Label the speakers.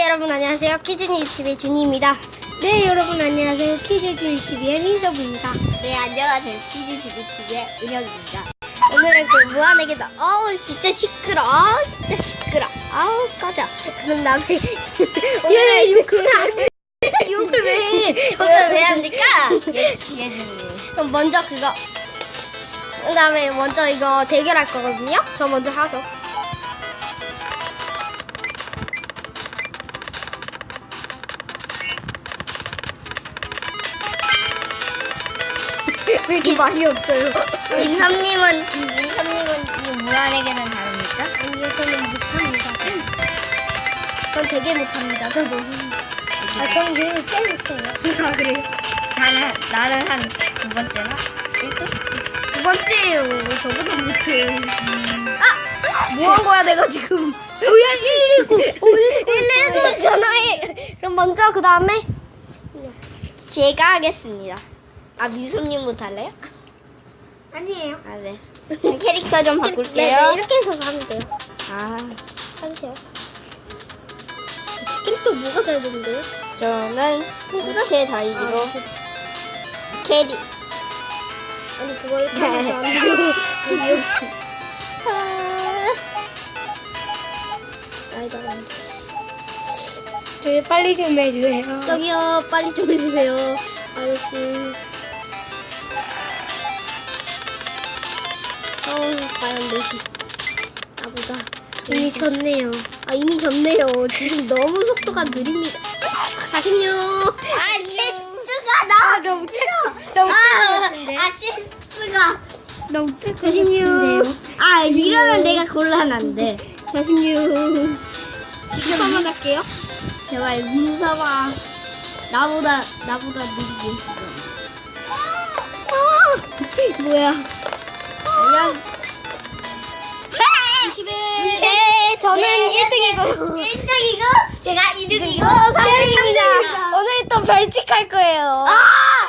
Speaker 1: 여러분 안녕하세요. 퀴즈뉴 TV의 준이입니다.
Speaker 2: 네, 여러분 안녕하세요. 퀴즈주의 TV의 민섭입니다.
Speaker 3: 네, 안녕하세요. 퀴즈주의 TV의 은혁입니다.
Speaker 1: 오늘은 그 무한에게다. 어우 진짜 시끄러. 아우 진짜 시끄러. 아우 꺼져. 그런 다음에 오늘은
Speaker 2: 욕을 왜 해?
Speaker 3: 오늘 왜 합니까? 예준님.
Speaker 1: 그럼 먼저 그거. 그 다음에 먼저 이거 대결할 거거든요. 저 먼저 하죠. 왜 이렇게 많이 없어요?
Speaker 3: 민섭님은 이 무한에게는 다릅니까?
Speaker 1: 아니요, 저는 못합니다. 전 되게 못합니다. 저도.
Speaker 2: 저는 그래도 꽤 못해요.
Speaker 1: 아, 그래요?
Speaker 3: 나는 한 두 번째나? 1등?
Speaker 1: 두 번째예요. 저보다 못해. 뭐 한 거야, 내가 지금?
Speaker 2: 뭐야,
Speaker 1: 119 전화해. 그럼 먼저 그 다음에
Speaker 3: 제가 하겠습니다. 아, 민섭님부터 할래요?
Speaker 2: 아니에요.
Speaker 3: 아, 네. 캐릭터 좀
Speaker 1: 네,
Speaker 3: 바꿀게요.
Speaker 1: 이렇게 해서 하면 돼요.
Speaker 3: 아,
Speaker 1: 해주세요. 캐릭터 뭐가 잘 되는데요?
Speaker 3: 저는 무채 다이기로 캐리.
Speaker 1: 아니 그걸 이렇게 하면 안 돼요.
Speaker 2: 저희 빨리 좀 해주세요.
Speaker 1: 저기요, 빨리 좀 해주세요, 아저씨. 과연 몇이? 나보다. 이미 졌네요. 이미 졌네요. 지금 너무 속도가 느립니다. 46.
Speaker 3: 아, 실수가 나 너무
Speaker 2: 너무
Speaker 3: 실수가.
Speaker 2: 너무
Speaker 1: 46.
Speaker 3: 아, 이러면 내가 곤란한데.
Speaker 1: 46. 지금 한번 할게요.
Speaker 3: 제발 민섭아, 나보다 느리게 해줘.
Speaker 1: 뭐야?
Speaker 3: 그냥
Speaker 1: 21. 네, 저는 1등이고요.
Speaker 3: 1등이고 제가 2등이고 3등입니다.
Speaker 1: 오늘 또 벌칙할 거예요.
Speaker 3: 아!